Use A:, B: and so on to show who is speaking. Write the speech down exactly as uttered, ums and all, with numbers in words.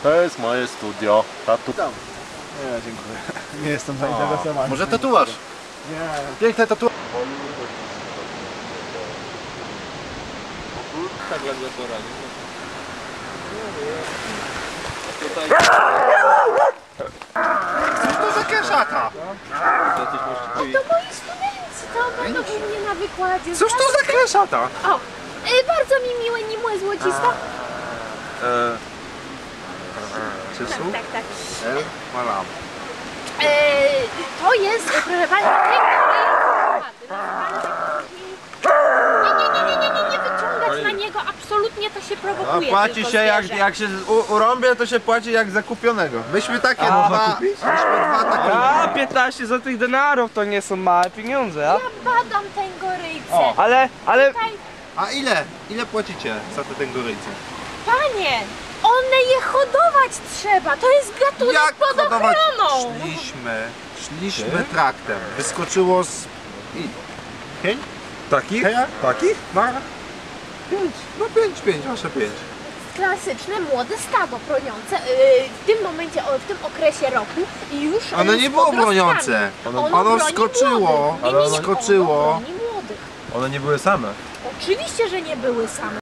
A: To jest moje studio. Tatu.
B: Tam. Nie, dziękuję. Nie jestem zainteresowany.
C: Może tatuaż?
B: Nie.
C: Piękne tatuaż.
D: Tak ledwo poradzi. Tutaj
C: Co to za kieszaka?
D: jacyś możliwi.
E: To moi studenci, to będą u mnie na wykładzie.
C: Cóż to za kieszaka?
E: O, y, bardzo mi miłe, nie młe złocista.
C: Eee... Czysu?
E: Tak, tak, tak.
C: El Malam.
E: E, to jest, proszę Pani, nie, nie, nie, nie, nie, nie, nie wyciągać na niego, absolutnie to się
C: A
E: prowokuje.
C: płaci
E: tylko
C: się jak,
E: zwierzę.
C: jak się u, urąbie, to się płaci jak zakupionego. Myśmy takie
F: A,
C: dwa, myśmy dwa takie.
F: A, piętnaście złotych denarów to nie są małe pieniądze, a?
E: Ja badam tę goryjcę.
F: O, ale, ale...
E: Tutaj,
C: A ile? Ile płacicie za te tęgoryjce?
E: Panie, one je hodować trzeba, to jest gatunek
C: Jak
E: pod
C: hodować?
E: ochroną.
C: Szliśmy, szliśmy traktem. Wyskoczyło z... I... Pięć?
F: Takich?
C: Heja?
F: Takich?
C: No. Pięć. No pięć, pięć, wasze pięć.
E: Klasyczne młode stado broniące yy, w tym momencie, o, w tym okresie roku i już
C: Ono
E: yy,
C: nie
E: z
C: było
E: podrostkami.
C: broniące.
E: Ono,
C: ono
E: broni
C: wskoczyło,
E: młodych. Nie,
C: ale
E: nie,
C: ono
E: nie,
C: wskoczyło.
E: Ono broni młodych.
F: One nie były same.
E: Oczywiście, że nie były same.